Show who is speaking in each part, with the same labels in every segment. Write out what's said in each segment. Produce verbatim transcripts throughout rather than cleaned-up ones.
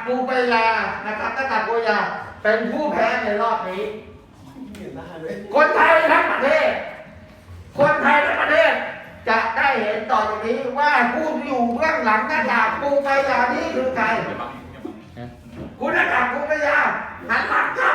Speaker 1: ปูปายานะครับหน้ากากปูปายาเป็นผู้แพ้ในรอบนี้คนไทยทั้งประเทศคนไทยทั้งประเทศจะได้เห็นต่อจากนี้ว่าผู้อยู่เบื้องหลังหน้ากากปูปายานี้คือใครคุณหน้ากากปูปายาหันหลังครับ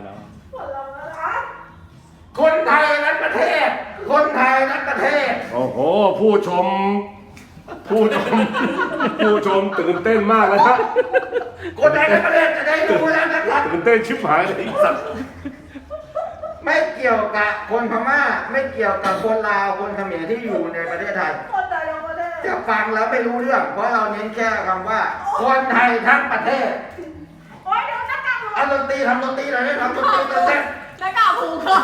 Speaker 1: คนไทยทั้งประเทศคนไทยทั้งประเทศ
Speaker 2: โอ้โหผู้ชมผู้ชมผู้ชมตื่นเต้นมากเลยครับ
Speaker 1: คนไทยทั้งประเทศจะได้รู้แล้วนะครับ
Speaker 2: ตื่นเต้นชิบหายเลยสัตว์
Speaker 1: ไม่เกี่ยวกับคนพม่าไม่เกี่ยวกับคนลาวคนเขมรที่อยู่ในประเทศไทยจะฟังแล้วไม่รู้เรื่องเพราะเราเน้นแค่คำว่าคนไทยทั้งประเทศเอาดนตรีทำดนตรีหน่อยได้ทำดนตรีเต้น
Speaker 3: หน้ากากผูกคอ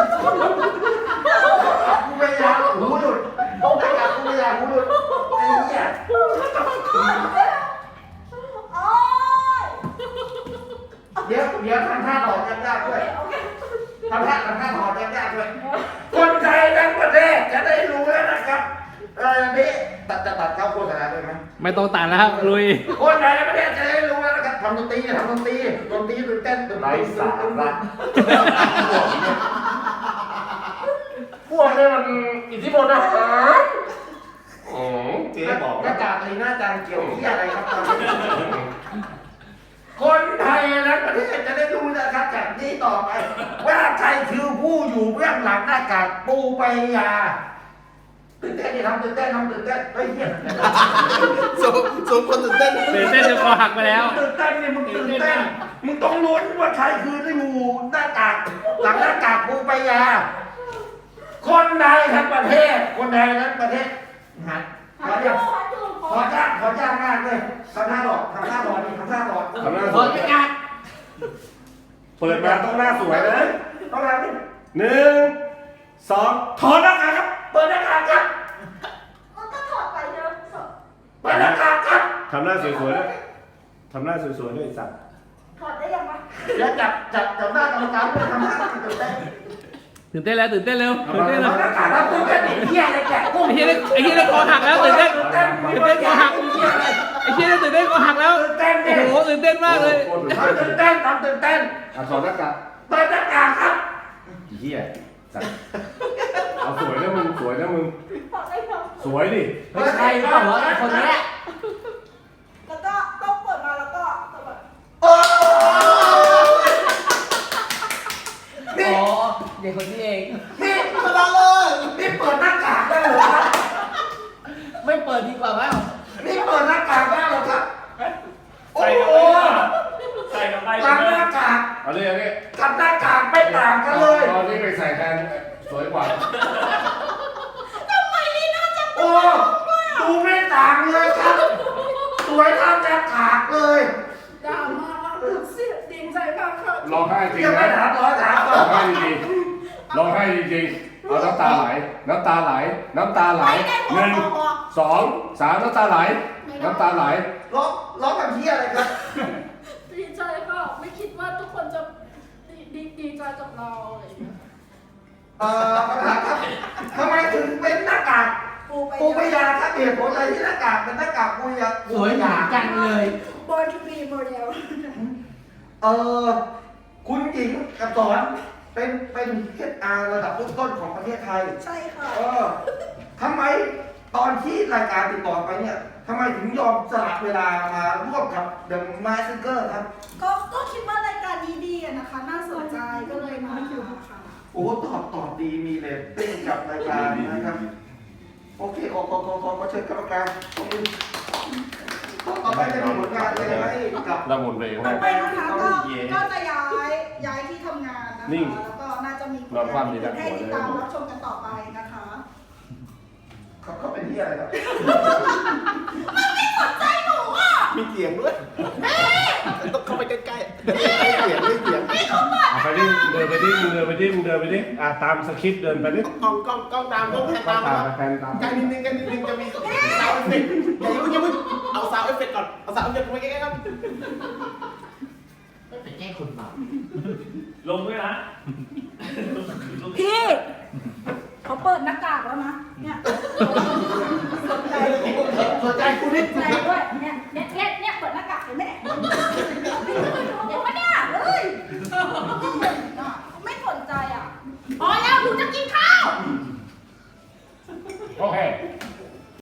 Speaker 1: กูไม่อยากหูหลุดหน้ากากกูไม่อยากหูหลุดไอ้เหี้ยเดี๋ยวเดี๋ยวทำท่าถอดยากๆด้วยทำท่าทำท่าถอดยากๆด้วยคนไทยทั้งประเทศจะได้รู้แล้วนะครับเออนี่ตัดจะตัดเข้าโฆษณาด้วยไหม
Speaker 4: ไม่ต้องตัดแล้วครับลุย
Speaker 1: คนไทยทั้งประเทศจะได้รู้แล้วนะครับทำดนตรีทำดนตรีดนตรีตื่นเต้นตื่นเต้นไร้สาระพวกนี้มันอิทธิพลนะฮะโอ้เจ๊บอกหน้ากากในหน้าจานเกี่ยวที่อะไรครับคนไทยและประเทศจะได้รู้นะครับจากนี้ต่อไปว่าใครคือผู้อยู่เบื้องหลังหน้ากากปูปายาตื่นเต้นดิทำตื่นเต้นทำตื่นเต้นเฮ้ยเหี้ย
Speaker 5: สมสมคนตื่นเต้น
Speaker 4: ตื่นเต้นจนคอหักไปแล้ว
Speaker 1: ตื่นเต้นนี่มึงตื่นเต้นมึงต้องลุ้นว่าใครคือที่อยู่หน้ากากหลังหน้ากากปูปายาคนไทยทั้งประเทศคนไทยทั้งประเทศหันขอเดียวขอจ้างขอจ้างมากเลยทำหน้าหลอดทำหน้าหลอดนี่ทำหน้าหลอด
Speaker 2: ทำหน้า
Speaker 1: หลอดไม่งาน
Speaker 2: เปิดมาต้องหน้าสวยนะ
Speaker 1: ต้องทำนี่
Speaker 2: หนึ่งสอง
Speaker 1: ถอดหน้ากากครับเปิดหน้ากากครับ
Speaker 3: มันก็ถอดไปเยอะ
Speaker 1: เปิดหน้ากากครับ
Speaker 2: ทำหน้าสวยๆด้วยทำหน้าสวยๆด้วยสัตว์
Speaker 3: ถอดได้ยังวะ
Speaker 1: แล้วจับจับจับหน้ากรรมการด้วยทำหน้าตื่นเต้น
Speaker 4: ตื่นเต้นแล้วตื่นเต้นเร็วตื่นเต้นแล้ว
Speaker 1: หน้ากากแล้วตื่นเต้นไอ้เหี้ยอะไรแกกุ้ง
Speaker 4: ไอ้เหี้ยไอ้เหี้ยคอหักแล้วตื่นเต้นตื่นเต้นคอหักไอ้เหี้ยตื่นเต้นคอหักแล้ว
Speaker 1: ตื่นเต้นดิ
Speaker 4: โอ้โหตื่นเต้นมากเลย
Speaker 1: ตื่นเต้นทำตื่นเต้น
Speaker 2: ถอดหน้ากาก
Speaker 1: เปิดหน้ากากครับ
Speaker 2: เหี้ยสัตว์เอาสวยนะมึงสวยนะมึง
Speaker 3: ถอดได้ยัง
Speaker 2: สวยดิ
Speaker 1: เฮ้ยใครเปล่าวะไอ้คนนี้
Speaker 3: แล้วก็ต้องเปิดมาแล้วก็แบบ
Speaker 1: โอ้
Speaker 4: อ๋อเด็กคนนี้เอง
Speaker 1: นี่มาเลยนี่เปิดหน้ากากได้เหรอครับ
Speaker 4: ไม่เปิดดีกว่ามั้ง
Speaker 1: นี่เปิดหน้ากากได้เหรอครับโอ้โห
Speaker 5: ใส่กับไป
Speaker 1: หลังหน้ากาก
Speaker 2: เอาเลยเอาเลย
Speaker 1: กับหน้ากากไม่ต่างกันเลย
Speaker 2: ตอนนี้ไปใส่แทนสวยกว่า
Speaker 3: ทำไมนี่น่าจะ
Speaker 1: โอ้ดูไม่ต่างเลยครับสวยเท่าหน้ากากเลย
Speaker 3: ดราม่าเสียดินใจพังค่ะ
Speaker 2: ร้องไห้จริง
Speaker 1: ยังไม่ถามร้อยถาม
Speaker 2: ร้องไห้จริงร้องไห้จริงเอาน้ำตาไหลน้ำตาไหลน้ำตาไหลหนึ่งสองสามน้ำตาไหลน้ำตาไหล
Speaker 1: ร้องร้องกับที่อะไรครับ
Speaker 3: ดีใจค่ะไม่คิดว่าทุกคนจะดีดีใจกับเราอะไรอย่างเงี้ย
Speaker 1: เอ่อคำถามครับทำไมถึงเป็นหน้ากากปูปายาครับเหตุผลอะไรที่หน้ากากเป็นหน้ากากปูปายา
Speaker 4: สวยหนาจังเลย
Speaker 3: บอยทูบีโมเดล
Speaker 1: เออคุณหญิงกับสอนเป็นเป็นเอชอาร์ระดับต้นๆของประเทศไทย
Speaker 3: ใช่ค่ะ
Speaker 1: เออทำไมตอนที่รายการติดต่อไปเนี่ยทำไมถึงยอมสละเวลามาร่วมกับ The Mask Singer ครับ
Speaker 3: ก็ก็คิดว่ารายการนี้ดีนะคะน่าสนใจก็เลยมาค่ะ
Speaker 1: โอ้ตอบตอบดีมีเลยเต้นกับรายการนะครับโอเคขอขอขอขอเชิญกรรมการตรงนี้ต่อไปจะมีผลงานอะไรไหมกับ
Speaker 2: ละมุนเลย
Speaker 3: ต่อไปนะคะก็ก็จะย้ายย้ายที่ทำงานนะคะแล้วก็น่าจะมีผลงานให้ติดตามรับชมกันต่อไปนะคะ
Speaker 1: เขาเขาเป็นที่อะไรครับ
Speaker 3: มันไม่สนใจหนูอ่ะ
Speaker 5: มีเสียงด้วยต้องเข้าไปใกล้ๆไม่เสียงไม่เสียง
Speaker 3: ไม่เขาเปิด
Speaker 2: ไปดิเดินไปดิเดินไปดิเดินไปดิอ่ะตามสคริปต์เดินไปดิ
Speaker 5: กล้องกล้องกล้องตามกล้องแพนตาม
Speaker 2: แพนตาม
Speaker 5: ใกล้นิดนึงใกล้นิดนึงจะมีซาวด์เอฟเฟกต์อย่าเพิ่งอย่าเพิ่งเอาซาวด์เอฟเฟกต์ก่อนเอาซาวด์เอฟเฟกต์ไปใกล้ๆครับ
Speaker 4: ไปแก้คนบาป
Speaker 5: ลงด้วยนะ
Speaker 3: พี่เขาเปิดหน้ากากแล้วนะเนี่ยสนใจ
Speaker 1: สนใจคุณนิด
Speaker 3: ใจด้วย